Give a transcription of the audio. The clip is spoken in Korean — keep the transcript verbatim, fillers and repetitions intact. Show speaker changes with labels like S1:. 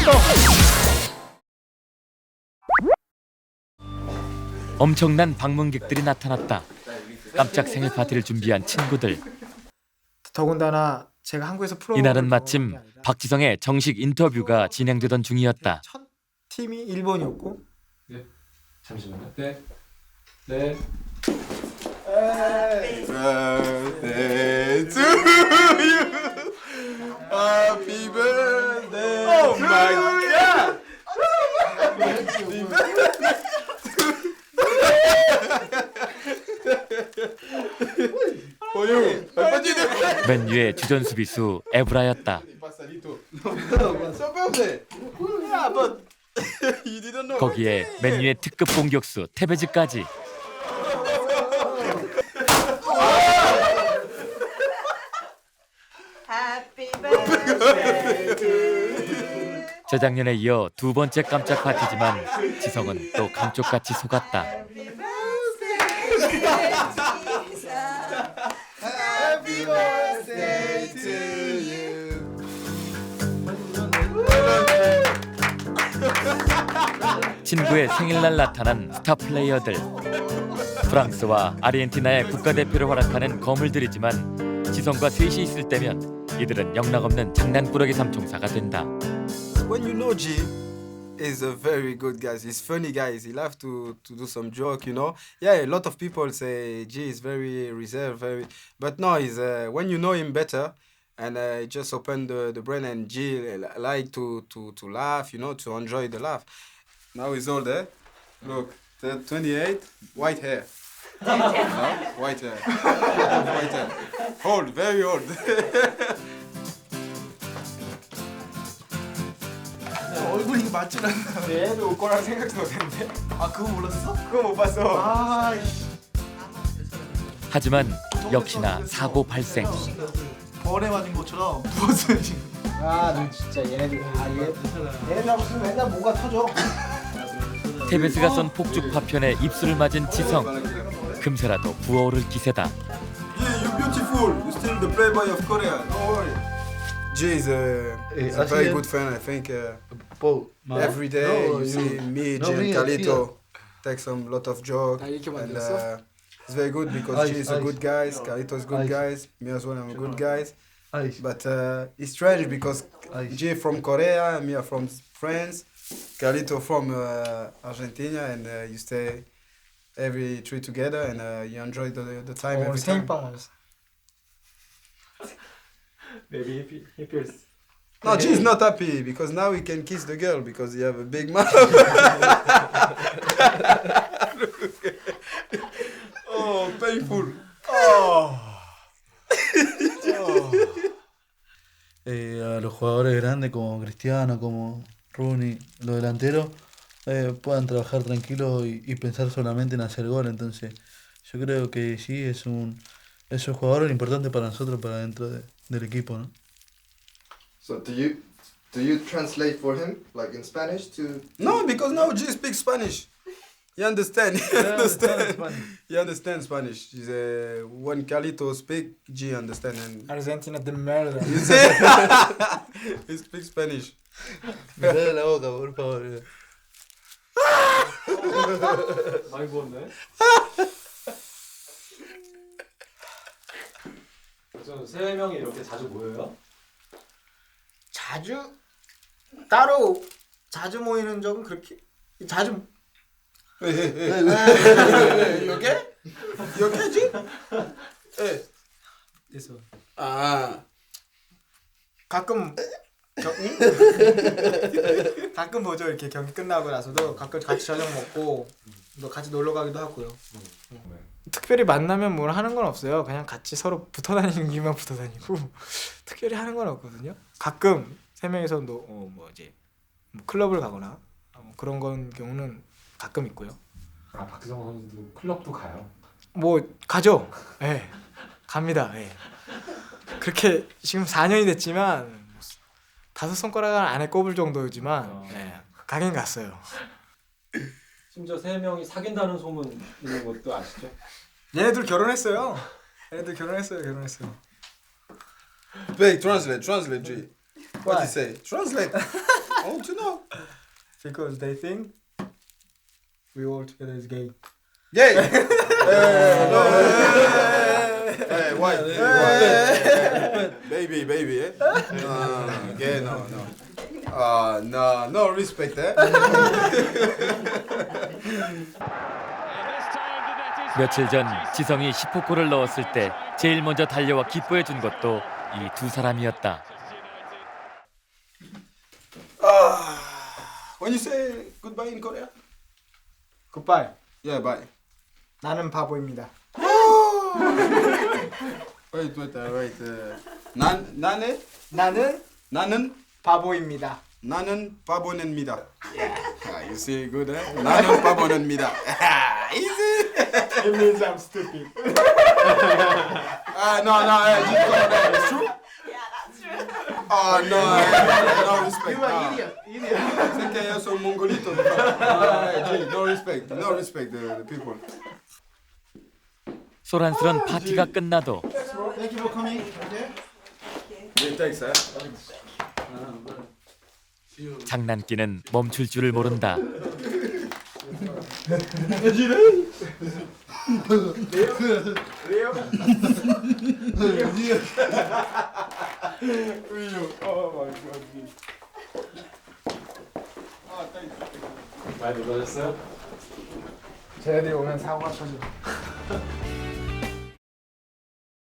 S1: 더.
S2: 엄청난 방문객들이 나타났다. 깜짝 생일 파티를 준비한 친구들.
S1: 더군다나 제가 한국에서 프로
S2: 이날은 마침 박지성의 정식 인터뷰가 진행되던 중이었다.
S1: 첫 팀이 일본이었고.
S3: 네. 잠시만요. 네. 네.
S4: Happy birthday to you. Happy birthday. Oh my god. Happy birthday. Oye,
S2: 맨 위에 주전 수비수 에브라였다. 거기에 맨 위에 특급 공격수 테베즈까지. 재작년에 이어 두 번째 깜짝 파티지만 지성은 또 감쪽같이 속았다.
S4: Happy birthday to you.
S2: 친구의 생일날 나타난 스타 플레이어들. 프랑스와 아르헨티나의 국가대표를 활약하는 거물들이지만 지성과 셋이 있을 때면 이들은 영락없는 장난꾸러기 삼총사가 된다.
S4: When you know G is a very good guy. He's funny guys. He loves to to do some joke, you know. Yeah, a lot of people say G is very reserved, very, but no, he's uh, when you know him better, and uh, just open the the brain and G like to to to laugh, you know, to enjoy the laugh. Now he's older. Look, twenty-eight, white hair. No? White hair. White hair. Old, very old.
S1: 얼굴이 맞지 않나? 얘도 올 거라는 생각도 못했는데.
S4: 아 그거 몰랐어?
S1: 그거 못 봤어. 아.
S2: 하지만 역시나 사고 발생.
S1: 벌에 맞은 것처럼 부었어요 지금. 아, 너 진짜 얘네들 아 얘. 얘네들 무슨 맨날 뭐가 터져.
S2: 테베스가 쏜 폭죽 파편에 입술을 맞은 지성. 금세라도 부어오를 기세다.
S4: Yeah, you're beautiful. You're still the playboy of Korea. Don't worry. Jay is a, is a very good friend. I think uh, every day you see me, Jay, and Carlito take some lot of joke, and uh, it's very good because Jay is a good guy, Carlito is good guys, me as well. I'm a good guys. But uh, it's strange because Jay from Korea, me are from France, Carlito from uh, Argentina, and uh, you stay every tree together and uh, you enjoy the the time every time.
S3: Maybe he, he feels.
S4: No, G is not happy because now he can kiss the girl because he have a big mouth. Oh, painful. Oh.
S5: Eh, a los jugadores grandes como Cristiano, como Rooney, los delanteros, eh, puedan trabajar tranquilos y, y pensar solamente en hacer gol. Entonces, yo creo que sí es un, es un jugador importante para nosotros, para dentro de, del equipo, ¿no?
S6: So do you do you translate for him like in Spanish to?
S4: No, because now G speaks Spanish. You understand? He
S5: Yeah,
S4: understand.
S5: understand Spanish.
S4: He understands Spanish. He's uh, when Carlito speak, G understand and
S1: Argentina de merda.
S4: he say- he speaks Spanish.
S5: Me cae la boca, por favor.
S3: 많이 부었네. 그래서 세 명이 이렇게 자주 모여요?
S1: 자주 따로 자주 모이는 적은 그렇게 자주
S4: 이렇게? 이렇게지? 예.
S1: 됐어.
S4: 아.
S1: 가끔 겨, 가끔 보죠. 이렇게 경기 끝나고 나서도 가끔 같이 저녁 먹고 또 같이 놀러 가기도 하고요. 특별히 만나면 뭘 하는 건 없어요. 그냥 같이 서로 붙어 다니는 기만 붙어 다니고 특별히 하는 건 없거든요. 가끔 세 명이서 또 어, 뭐 이제 뭐 클럽을 가거나 뭐 그런 건 경우는 가끔 있고요.
S3: 아 박지성 선수도 클럽도 가요.
S1: 뭐 가죠. 예. 네. 갑니다. 예. 네. 그렇게 지금 사 년이 됐지만 다섯 손가락 안에 꼽을 정도지만
S3: 어.
S1: 예. 가긴 갔어요.
S3: 심지어 세 명이 사귄다는 소문 있는 것도 아시죠?
S1: 얘네들 결혼했어요. 얘네들 결혼했어요. 결혼했어요.
S4: Wait, translate, translate, G. What he say? Translate. Oh, to know.
S1: Because they think we all together is gay.
S4: Gay. Hey, no, hey, hey, what? Hey, baby, baby, eh? No, no, gay, no, no. Ah, no, no respect, eh?
S2: 며칠 전 지성이 십 호 골을 넣었을 때 제일 먼저 달려와 기뻐해 준 것도 이 두 사람이었다.
S4: Ah, when you say goodbye in Korea?
S1: Goodbye.
S4: Yeah, bye.
S1: 나는 바보입니다.
S4: Wait, wait, uh, wait. Uh, 난, 나네?
S1: 나는
S4: 나는?
S1: 바보입니다.
S4: 나는 바보는입니다. Ah, you see, good, eh? 나는 바보는입니다. Easy.
S1: It means I'm stupid.
S4: Ah, no, no, eh, just go there. It's true?
S7: Yeah, that's true.
S4: Oh, no, eh, no respect.
S1: You are
S4: no.
S1: idiot. Idiot.
S4: Sé que yo soy mongolito. No, eh, G, no respect. No respect the, the people.
S2: 소란스런 파티가 끝나도
S4: Thank you for coming. Okay. Yeah, thanks, eh?
S2: 장난기는 멈출 줄을 모른다.
S3: 많이 놀라셨어요?
S1: 쟤네들이 오면 사고가 터져.